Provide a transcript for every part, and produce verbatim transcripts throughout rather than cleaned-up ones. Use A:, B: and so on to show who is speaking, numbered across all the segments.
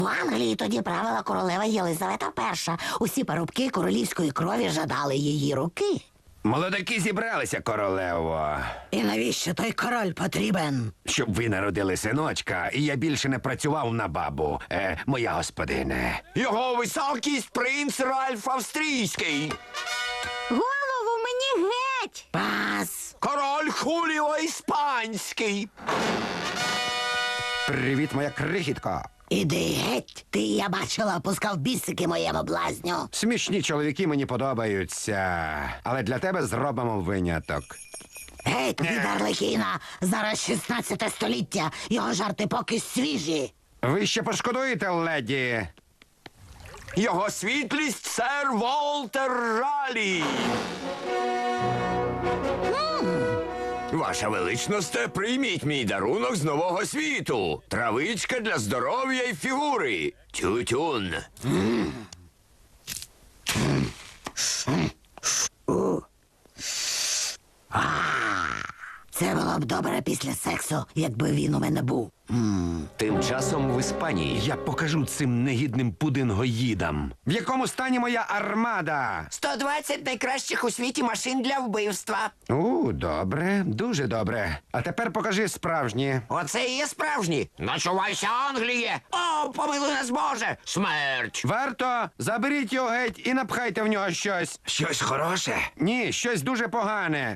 A: В Англії тоді правила королева Єлизавета Перша. Усі парубки королівської крові жадали її руки.
B: Молодики зібралися, королево.
A: І навіщо той король потрібен?
B: Щоб ви народили синочка, і я більше не працював на бабу, е, моя господине.
C: Його високість принц Ральф Австрійський.
A: Голову мені геть! Пас!
C: Король Хуліо Іспанський.
B: Привіт, моя крихітко.
A: Іди геть! Ти, я бачила, пускав бісики моєму блазню.
B: Смішні чоловіки мені подобаються, але для тебе зробимо виняток.
A: Геть від Арлекіна! Зараз шістнадцяте століття, його жарти поки свіжі.
B: Ви ще пошкодуєте, леді?
C: Його світлість сер Волтер Ралі. Ваша величність, прийміть мій дарунок з нового світу. Травичка для здоров'я і фігури. Тютюн.
A: Це було б добре після сексу, якби він у мене був.
C: Тим часом в Іспанії.
B: Я покажу цим негідним пудингоїдам. В якому стані моя армада?
D: сто двадцять найкращих у світі машин для вбивства.
B: У, добре, дуже добре. А тепер покажи справжні.
D: Оце і є справжні. Начувайся, Англіє! О, помилуй нас, Боже! Смерть!
B: Варто, заберіть його геть і напхайте в нього щось.
C: Щось хороше.
B: Ні, щось дуже погане.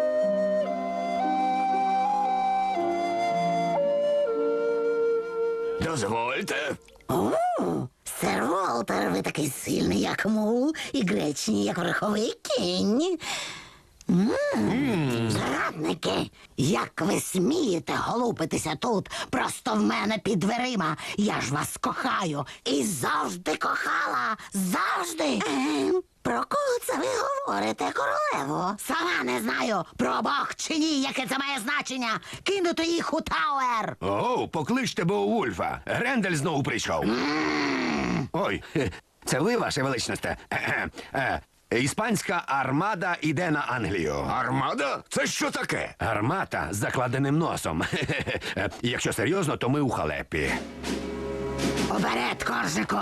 C: Дозвольте.
A: О, сер Волтер, ви такий сильний, як мул, і гречний, як верховий кінь. М, Зрадники, як ви смієте голупитися тут, просто в мене під дверима. Я ж вас кохаю і завжди кохала, завжди. Ем, про кого це ви говорите, королево? Сама не знаю, про обох чи ні, яке це має значення. Кинути їх у Тауер.
B: О, покличте Беовульфа. Грендель знову прийшов. Ой, хе, це ви, ваше величність? Е, е, Іспанська армада іде на Англію.
C: Армада? Це що таке?
B: Гармата з закладеним носом. Е, Якщо серйозно, то ми у халепі.
A: Уперед, коржику.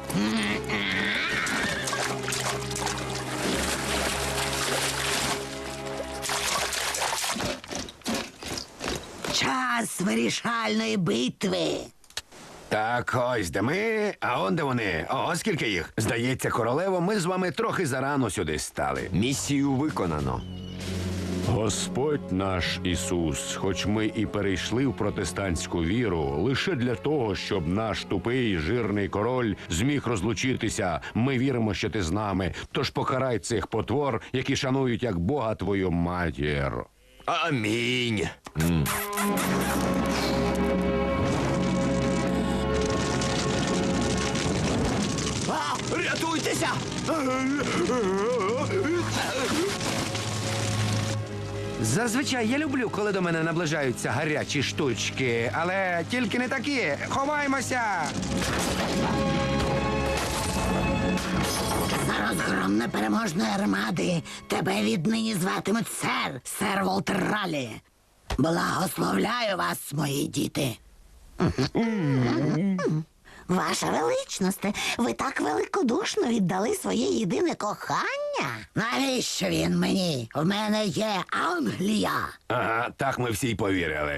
A: Час вирішальної битви.
B: Так, ось де ми, а он де вони. О, скільки їх. Здається, королево, ми з вами трохи зарано сюди стали.
C: Місію виконано.
E: Господь наш Ісус, хоч ми і перейшли в протестантську віру, лише для того, щоб наш тупий жирний король зміг розлучитися, ми віримо, що ти з нами. Тож покарай цих потвор, які шанують як Бога твою матір.
C: Амінь. А, рятуйтеся!
B: Зазвичай я люблю, коли до мене наближаються гарячі штучки, але тільки не такі. Ховаймося!
A: За розгром непереможної армади тебе віднині зватимуть сер, сер Волтер Ралі. Благословляю вас, мої діти. Ваша величність, ви так великодушно віддали своє єдине кохання. Навіщо він мені? В мене є Англія.
B: Ага, так ми всі й повірили.